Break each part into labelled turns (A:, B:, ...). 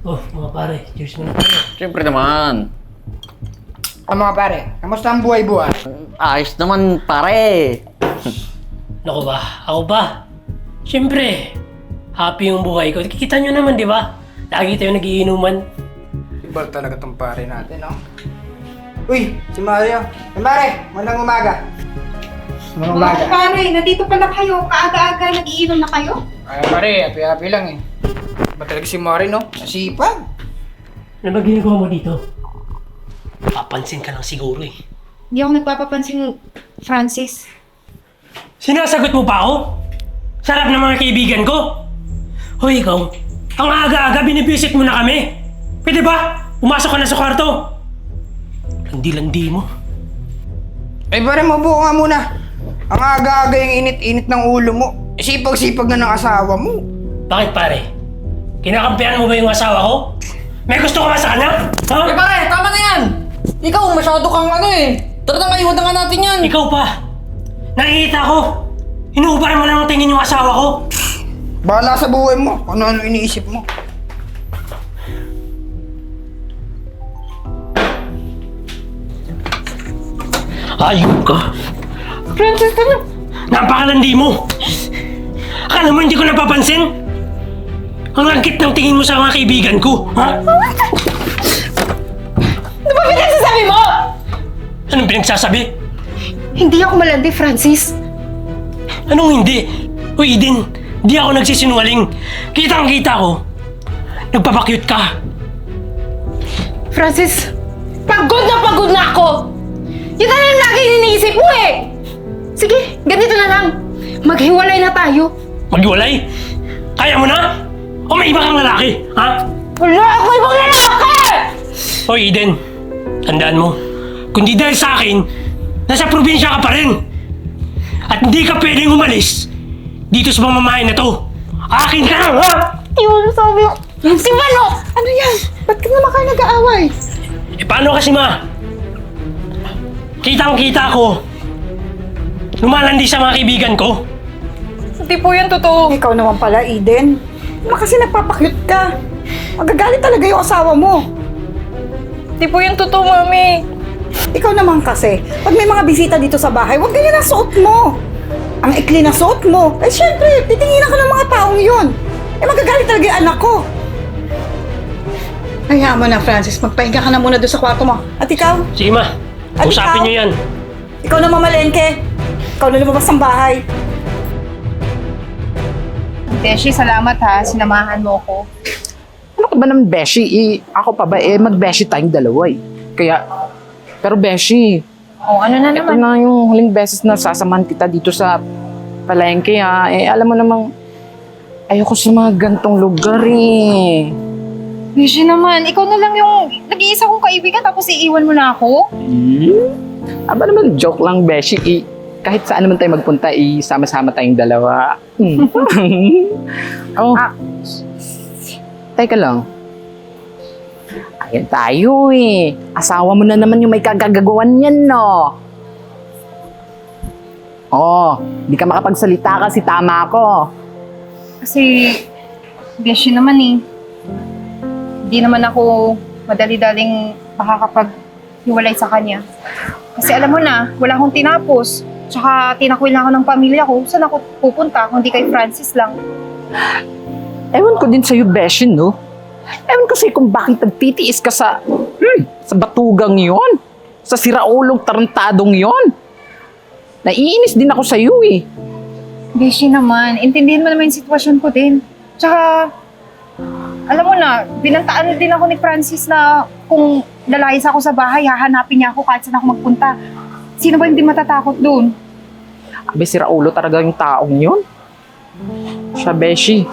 A: Oh, mga pare, cheers muna tayo.
B: Siyempre naman.
C: Mga pare, kamusta ang buhay-buhay?
B: Ayos naman, pare.
A: Naku ba? Ako ba? Siyempre, happy yung buhay ko. Kikita nyo naman, di ba? Lagi tayo nagiinuman.
C: Iba talaga tong pare natin, no? Uy, si Mario. Pare, magandang umaga. Magandang umaga.
D: Pare, nandito pala kayo. Kaaga-aga, nag-iinom na kayo?
C: Ay, pare, happy-happy lang eh. Ba talaga si Mario, no? Nasipag.
A: Ano ba ginagawa mo dito? Papansin ka lang siguro eh.
D: Hindi ako nagpapapansin, Francis.
A: Sinasagot mo pa ako? Sarap ng mga kaibigan ko. Hoy, ikaw. Ang aga-aga, binibisit mo na kami. Pwede ba? Umasok ka na sa kwarto. Landi-landi mo.
C: Ay, pare, mabuo nga muna. Ang aga-aga yung init-init ng ulo mo. Sipag-sipag na ng asawa mo.
A: Bakit pare? Kinakampihan mo ba yung asawa ko? May gusto ka ba sa kanya? Ha?
B: Pare, tama na yan. Ikaw, masyado kang Tara na, iwan na nga natin yan.
A: Ikaw pa. Nakikita ko. Inuubaran mo lang ng tingin yung asawa ko.
C: Bahala sa buhay mo. Ano-ano iniisip mo.
A: Ayun ka.
D: Francis, ano?
A: Napakalandi mo. Akala mo hindi ko napapansin? Ang langkit ng tingin mo sa mga kaibigan ko, ha?
D: Ano ba pinagsasabi mo?
A: Anong pinagsasabi?
D: Hindi ako malandi, Francis.
A: Anong hindi? Uy, Eden, di ako nagsisinungaling. Kitang-kita ko. Nagpapakyut ka.
D: Francis, pagod na ako! Yun na lang lagi iniisip mo eh! Sige, ganito na lang. Maghiwalay na tayo.
A: Maghiwalay? Kaya mo na? O may iba kang lalaki, ha?
D: Wala ako ibang lalaki!
A: Hoy, Eden, tandaan mo. Kung di dahil sa akin, nasa probinsya ka pa rin. At hindi ka pwedeng umalis dito sa pamamahay na to. Akin ka lang, ha?
D: Yun, sabi ko. Si Mano! Ano yan? Ba't ka naman kayo nag-aaway?
A: Eh, paano kasi, ma? Kitang-kita ko. Lumalandi sa mga kaibigan ko.
D: Hindi po yan totoo.
E: Ikaw naman pala, Eden. Naman kasi nagpapakyut ka. Magagalit talaga yung asawa mo.
D: Hindi po yan totoo, Mami.
E: Ikaw naman kasi, pag may mga bisita dito sa bahay, huwag ganyan ang suot mo. Ang ikli na suot mo. Eh syempre, titinginan ka ng mga taong yun. Eh magagalit talaga yung anak ko. Hayaan mo na, Francis. Magpahinga ka na muna doon sa kwarto mo. At ikaw?
A: Sige, ma.
E: At
A: Usapin
E: ikaw?
A: niyo yan.
E: Ikaw na mamalengke. Ikaw na lumabas ng bahay.
D: Beshi, salamat ha. Sinamahan mo ko.
F: Ano ka ba naman, Beshi? Ako pa ba? Mag-Beshi tayong dalawa eh. Kaya, pero Beshi,
D: Oh, ano na
F: ito
D: naman?
F: na yung huling beses na sasamahan kita dito sa palengke ha. Alam mo namang, ayoko sa mga gantong lugar eh.
D: Beshi naman, ikaw na lang yung nag-iisa kong kaibigan tapos iiwan mo na ako?
F: Aba naman, joke lang, Beshi. Kahit saan naman tayo magpunta, sama-sama tayong dalawa. Oh, teka lang. Ayan tayo eh. Asawa mo na naman yung may kagagawan yan, no? Oh, di ka makapagsalita kasi tama ako.
D: Kasi, Beshi naman eh. Hindi naman ako madali-daling makakapaghiwalay sa kanya. Kasi alam mo na, wala akong tinapos. Tsaka tinakwil na ako ng pamilya ko. Saan ako pupunta kung di kay Francis lang?
F: Ewan ko din sa'yo, Beshi, no? Ewan ko sa'yo kung bakit nagtitiis ka sa batugang yon, sa siraulong tarantadong yon. Naiinis din ako sa'yo eh.
D: Beshi naman, intindihin mo naman yung sitwasyon ko din. Tsaka, alam mo na, binantaan din ako ni Francis na kung lalayas ako sa bahay, hahanapin niya ako kahit saan ako magpunta. Sino ba hindi matatakot doon?
F: Abe, siraulo talaga yung taong yon. Siya, Beshi.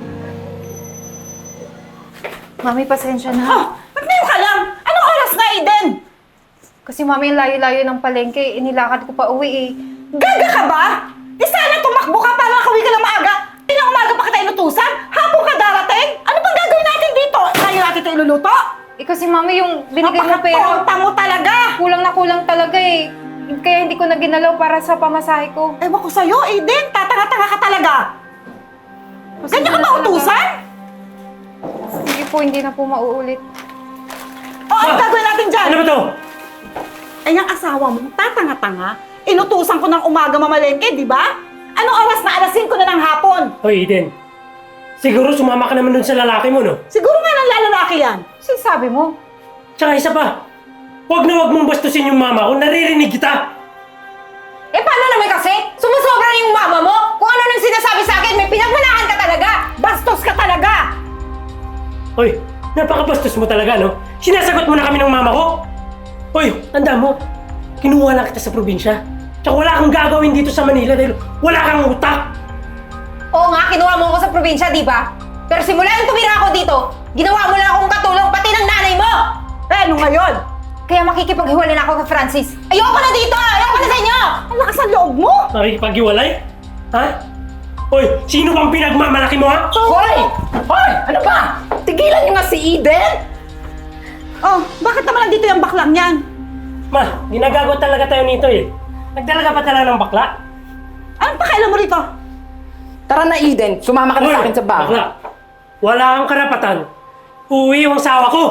D: Mami, pasensya na.
E: Ba't ngayon ka lang? Anong oras na, Eden?
D: Kasi mami, layo-layo ng palengke, inilakad ko pa uwi eh.
E: Gaga ka ba? Di sana tumakbo ka para makawi ka lang maaga. Hindi na umaga pa kita inutusan. Hapon ka darating. Ano bang gagawin natin dito? Kaya natin ito iluluto?
D: Eh kasi mami, yung binigay mo pera,
E: Napakatonta mo talaga.
D: kulang na kulang talaga eh. Kaya hindi ko na ginalaw para sa pamasahe ko.
E: Ewan ko sa'yo, Eden. Tatanga-tanga ka talaga. Ganyan ka ba utusan?
D: Sige po, hindi na po mauulit.
E: O, ano gagawin natin dyan?
A: Ano ba to?
E: Eh, yung asawa mo, tatanga-tanga. Inutusan ko ng umaga mamalengke, di ba? Anong oras na? Alas 5 na ng hapon.
A: Hoy, Eden. Siguro sumama ka naman dun sa lalaki mo, no?
E: Siguro nga ng lalaki yan.
D: Sinasabi mo?
A: Tsaka isa pa. Huwag na huwag mong bastusin yung mama ko. Naririnig kita.
B: Eh paano naman kasi? Sumusobra na yung mama mo? Kung ano nang sinasabi sa akin, may pinagmalakan ka talaga!
E: Bastos ka talaga!
A: Hoy, napakabastos mo talaga, no? Sinasagot mo na kami ng mama ko. Hoy, tanda mo. Kinuha lang kita sa probinsya. Tsaka wala kang gagawin dito sa Manila dahil wala kang utak.
B: Oo nga, kinuha mo ako sa probinsya, di ba? Pero simula yung tumira ako dito, ginawa mo lang akong katulong pati ng nanay mo!
E: Eh, ano ngayon?
B: Kaya makikipaghiwalay na ako kay Francis. Ayoko na dito! Ayoko na sa inyo!
E: Ang lakas ng loob mo!
A: Makikipaghiwalay? Ha? Hoy, sino bang pinagmamalaki mo, ha?
F: Hoy! Hoy! Ano ba? Tigilan niyo nga si Eden!
E: Oh, bakit naman nandito yung baklang yan?
A: Ma, ginagago talaga tayo nito eh. Nagdalaga pa talaga ng bakla.
E: Anong pakailan mo rito?
F: Tara na, Eden. Sumama ka na sa akin sa bahay.
A: bakla. Wala kang karapatan. Uwi yung asawa ko.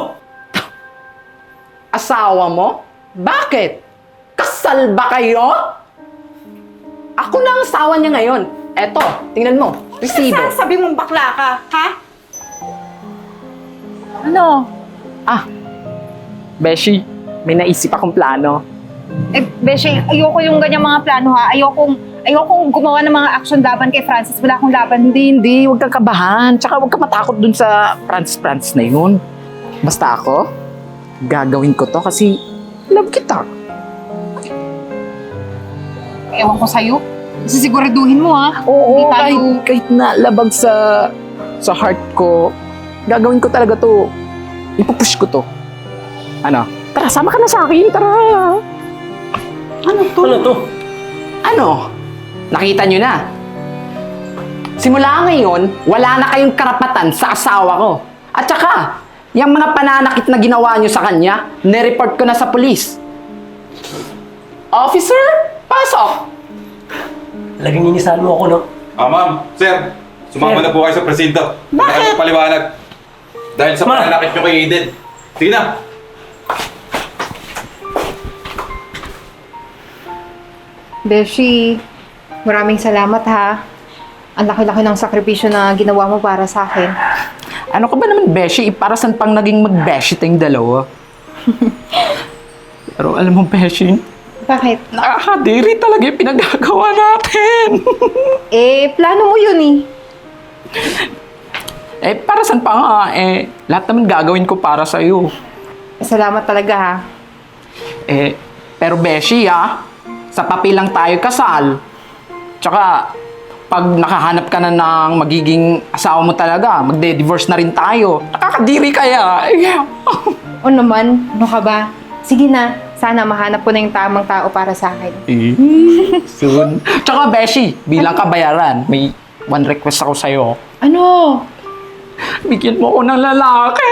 F: Asawa mo? Bakit? Kasal ba kayo? Ako na ang asawa niya ngayon. Eto, tingnan mo. Resibo.
E: Sabi mong bakla ka, ha?
F: Ano? Ah, Beshi, may naisip akong plano.
D: Eh, Beshi, ayoko yung ganyang mga plano ha. Ayokong gumawa ng mga action laban kay Francis. Wala akong laban.
F: Hindi. Huwag kang kabahan. Tsaka huwag ka matakot dun sa Francis na yun. Basta ako, gagawin ko to kasi love kita.
D: Ewan ko sa'yo. Sisiguraduhin mo ha.
F: Oo,
D: Hindi tayo-
F: kahit na labag sa heart ko, gagawin ko talaga to. Ipupush ko to. Ano? Tara, sama ka na sa akin. Tara.
A: Ano to?
F: Ano? Nakita nyo na. Simula ngayon, wala na kayong karapatan sa asawa ko. At saka, yung mga pananakit na ginawa nyo sa kanya, nireport ko na sa pulis. Officer, pasok!
A: Talagang inisahan mo ako, no?
G: Ma'am, sir, sumama
A: Sir.
G: na po kayo sa presinto.
E: Bakit?
G: Paliwanag. Dahil sa
A: Ma.
G: pananakit nyo kay Eden. Sige na.
D: Beshi, maraming salamat ha. Ang laki-laki ng sakripisyo na ginawa mo para sa akin.
F: Ano ka ba naman, Beshi? Para saan pang naging mag-Beshi tayong dalawa? Pero alam mo, Beshi,
D: Bakit?
F: nakakadiri talaga yung pinagagawa natin.
D: Eh, plano mo yun eh.
F: Para saan pa nga? Lahat naman gagawin ko para sa'yo.
D: Salamat talaga ha.
F: Pero Beshi, sa papel lang tayo kasal. Tsaka, pag nakahanap ka na ng magiging asawa mo talaga, magde-divorce na rin tayo. Nakakadiri kaya.
D: O naman, ano ka ba? Sige na, sana mahanap ko na yung tamang tao para sa akin.
F: Soon. Tsaka, Beshi, bilang kabayaran, may one request ako sa'yo.
D: Ano?
F: Bigyan mo ako ng lalaki.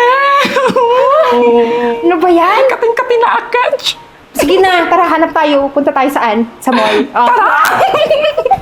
D: Ano ba yan?
F: Kating-kating na agad.
D: Sige na, tara, hanap tayo. Punta tayo saan? Sa mall. Oh.
F: Tara!